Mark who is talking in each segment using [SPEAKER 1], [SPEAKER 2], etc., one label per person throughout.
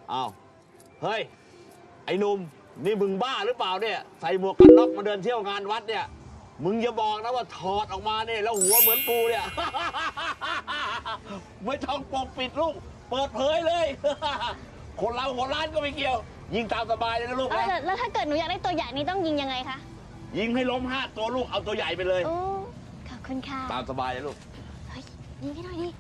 [SPEAKER 1] อ้าวเฮ้ยไอ้หนุ่มนี่มึงบ้าหรือเปล่าเนี่ยใส่หมวกกันน็อกมาเดินเที่ยวงานวัดเนี่ยมึงอย่าบอกนะว่าถอดออกมาเนี่ยแล้วหัวเหมือนกูเนี่ย ไม่ต้องปกปิดลูกเปิดเผยเลย คนเราหัวล้านก็ไม่เกี่ยว ยิงตามสบายเลยนะลูกนะ
[SPEAKER 2] แล้วถ้าเกิดหนูอยากได้ตัวใหญ่นี่ต้องยิงยังไงคะ
[SPEAKER 1] ยิงให้ล้ม5 ตัวลูกเอาตัวใหญ่ไปเลย
[SPEAKER 2] โอ้ขอบคุณค่ะ
[SPEAKER 1] ตามสบายเลยลูก
[SPEAKER 2] เฮ้ยยิงให้หน่อยดิ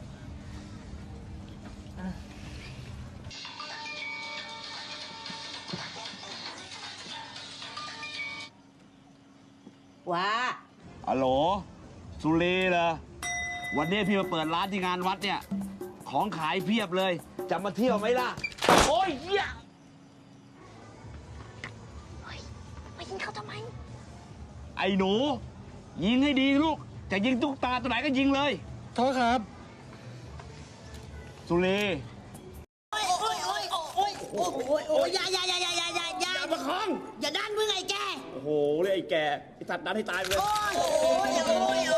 [SPEAKER 3] ว้า
[SPEAKER 1] ฮัลโหลสุรีเหรอวันนี้พี่มาเปิดร้านที่งานวัดเนี่ยของขายเพียบเลยจะมาเที่ยวไหมล่ะโอ้ยเหี้ย
[SPEAKER 2] เฮ้ยมายิงเขาทำไม
[SPEAKER 1] ไอ้หนูยิงให้ดีลูกจะยิงตุ๊กตาตัวไหนก็ยิงเลย
[SPEAKER 4] โทษครับ
[SPEAKER 1] สุรี
[SPEAKER 3] โอ้ยอย่าประคองอย่าด้านมึงไอ้แก
[SPEAKER 1] โอ้โหเลยไอ้แกไอ้สัตว์นั้นให้ตายไปเลย
[SPEAKER 3] โอ้ย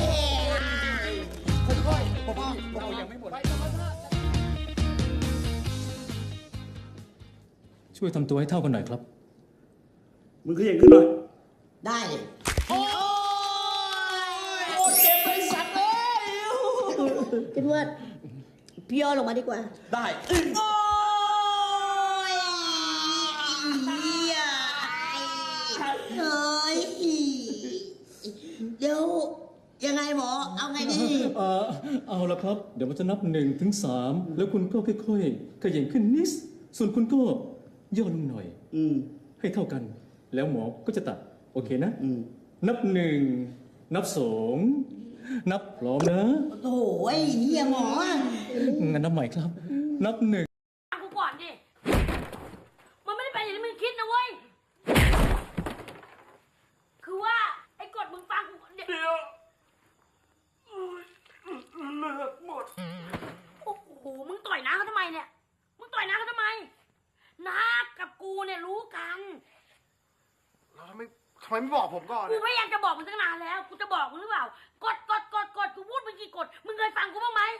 [SPEAKER 4] ค่อยๆผมยังไม่หมดช่วยทำตัวให้เท่ากันหน่อยครับ
[SPEAKER 1] มึงขยันขึ้นหน่อย
[SPEAKER 3] ได้โอ้ยเจ็บไปสัตว์เลยคิดว่าพี่ย่อลงมาดีกว่า
[SPEAKER 1] ได้
[SPEAKER 3] โอ้ยเฮ้ยเดี๋ยวยังไงหมอเอาไงดี
[SPEAKER 4] เอาละครับเดี๋ยวมันจะนับ1 ถึง 3แล้วคุณก็ค่อยๆขยันขึ้นนิดส่วนคุณก็ย่อลงหน่อยให้เท่ากันแล้วหมอก็จะตัดโอเคนะนับ1นับ2นับพร้อมนะ
[SPEAKER 3] โอ้ยเฮียหมอ
[SPEAKER 4] งั้นนับใหม่ครับนับ1
[SPEAKER 5] กูก่อนดิมันไม่ได้เป็นอย่างที่มึงคิดนะเว้ยคือว่าไอ้กฎมึงฟังกูเดี๋ยวเลือกหมดโอ้โหมึงต่อยน้าเขาทำไมเนี่ยมึงต่อยน้าเขาทำไมน้ากับกูเนี่ยรู้กัน
[SPEAKER 6] แล้วทำไมไม่บอกผมก่อน
[SPEAKER 5] กูพยายามจะบอกมึงตั้งนานแล้วกูจะบอกมึงหรือเปล่ากฎกูพูดมึงกี่กฎมึงเคยฟังกูบ้างไหม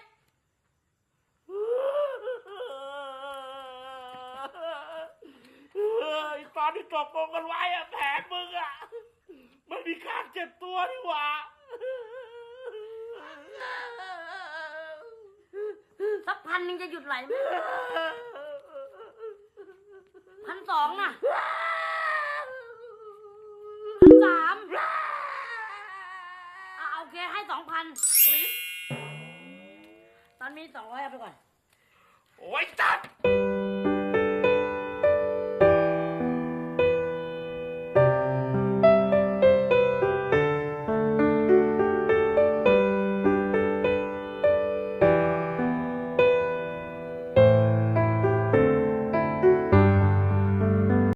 [SPEAKER 5] ตอนที่ตกลงกันไว้อะแผลมึงอะมันมีข้างเจ็บตัวนี่หว่าสัก1,000จะหยุดไหลไหม1,200อะ1,300โอเคให้2,000ตอนนี้200เอาไปก่อนโอ้ยจัด